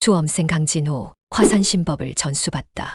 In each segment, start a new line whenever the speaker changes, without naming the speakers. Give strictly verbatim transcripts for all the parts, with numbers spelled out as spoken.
수험생 강진호 화산신법을 전수받다.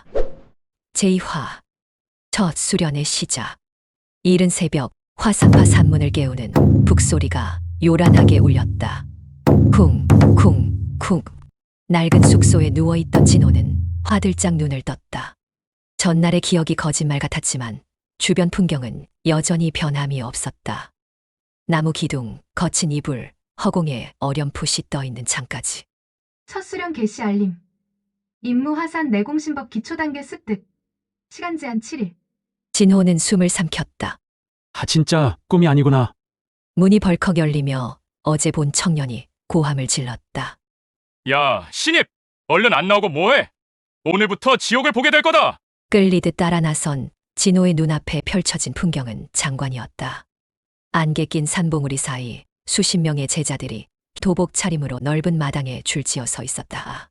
제이 화 첫 수련의 시작. 이른 새벽 화산파 산문을 깨우는 북소리가 요란하게 울렸다. 쿵, 쿵, 쿵. 낡은 숙소에 누워있던 진호는 화들짝 눈을 떴다. 전날의 기억이 거짓말 같았지만 주변 풍경은 여전히 변함이 없었다. 나무 기둥, 거친 이불, 허공에 어렴풋이 떠있는 창까지.
첫 수련 개시 알림. 임무 화산 내공신법 기초단계 습득. 시간 제한 칠 일.
진호는 숨을 삼켰다.
아, 진짜 꿈이 아니구나.
문이 벌컥 열리며 어제 본 청년이 고함을 질렀다.
야, 신입! 얼른 안 나오고 뭐해? 오늘부터 지옥을 보게 될 거다!
끌리듯 따라 나선 진호의 눈앞에 펼쳐진 풍경은 장관이었다. 안개 낀 산봉우리 사이 수십 명의 제자들이 도복 차림으로 넓은 마당에 줄지어 서 있었다.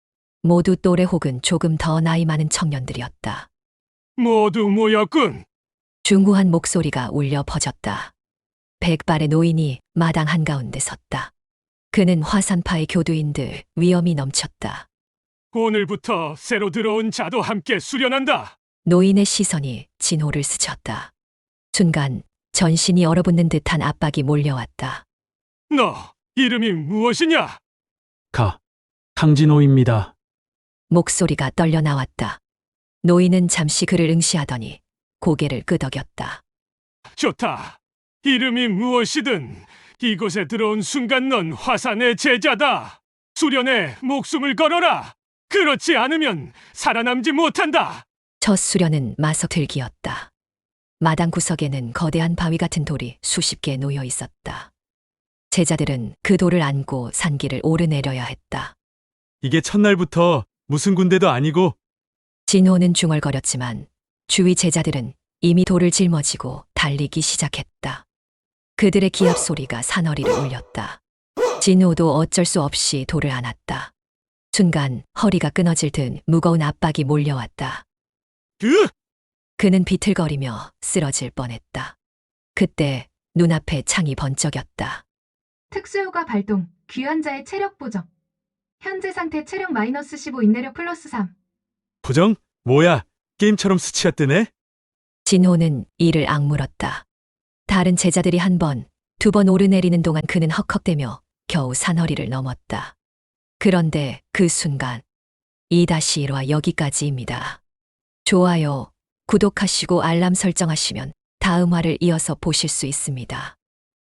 모두 또래 혹은 조금 더 나이 많은 청년들이었다.
모두 모였군!
중후한 목소리가 울려 퍼졌다. 백발의 노인이 마당 한가운데 섰다. 그는 화산파의 교두인들 위엄이 넘쳤다.
오늘부터 새로 들어온 자도 함께 수련한다!
노인의 시선이 진호를 스쳤다. 순간 전신이 얼어붙는 듯한 압박이 몰려왔다.
너, 이름이 무엇이냐?
가. 강진호입니다.
목소리가 떨려 나왔다. 노인은 잠시 그를 응시하더니 고개를 끄덕였다.
좋다. 이름이 무엇이든 이곳에 들어온 순간 넌 화산의 제자다. 수련에 목숨을 걸어라. 그렇지 않으면 살아남지 못한다.
첫 수련은 마석들기였다. 마당 구석에는 거대한 바위 같은 돌이 수십 개 놓여 있었다. 제자들은 그 돌을 안고 산길을 오르내려야 했다.
이게 첫날부터 무슨 군대도 아니고.
진호는 중얼거렸지만 주위 제자들은 이미 돌을 짊어지고 달리기 시작했다. 그들의 기합 소리가 산허리를 울렸다. 진호도 어쩔 수 없이 돌을 안았다. 순간 허리가 끊어질 듯 무거운 압박이 몰려왔다.
으!
그는 비틀거리며 쓰러질 뻔했다. 그때 눈앞에 창이 번쩍였다.
특수효과 발동. 귀환자의 체력 보정. 현재 상태 체력 마이너스 십오, 인내력 플러스 삼.
부정? 뭐야? 게임처럼 수치가 뜨네?
진호는 이를 악물었다. 다른 제자들이 한 번, 두 번 오르내리는 동안 그는 헉헉대며 겨우 산허리를 넘었다. 그런데 그 순간 이 일화 여기까지입니다. 좋아요, 구독하시고 알람 설정하시면 다음 화를 이어서 보실 수 있습니다.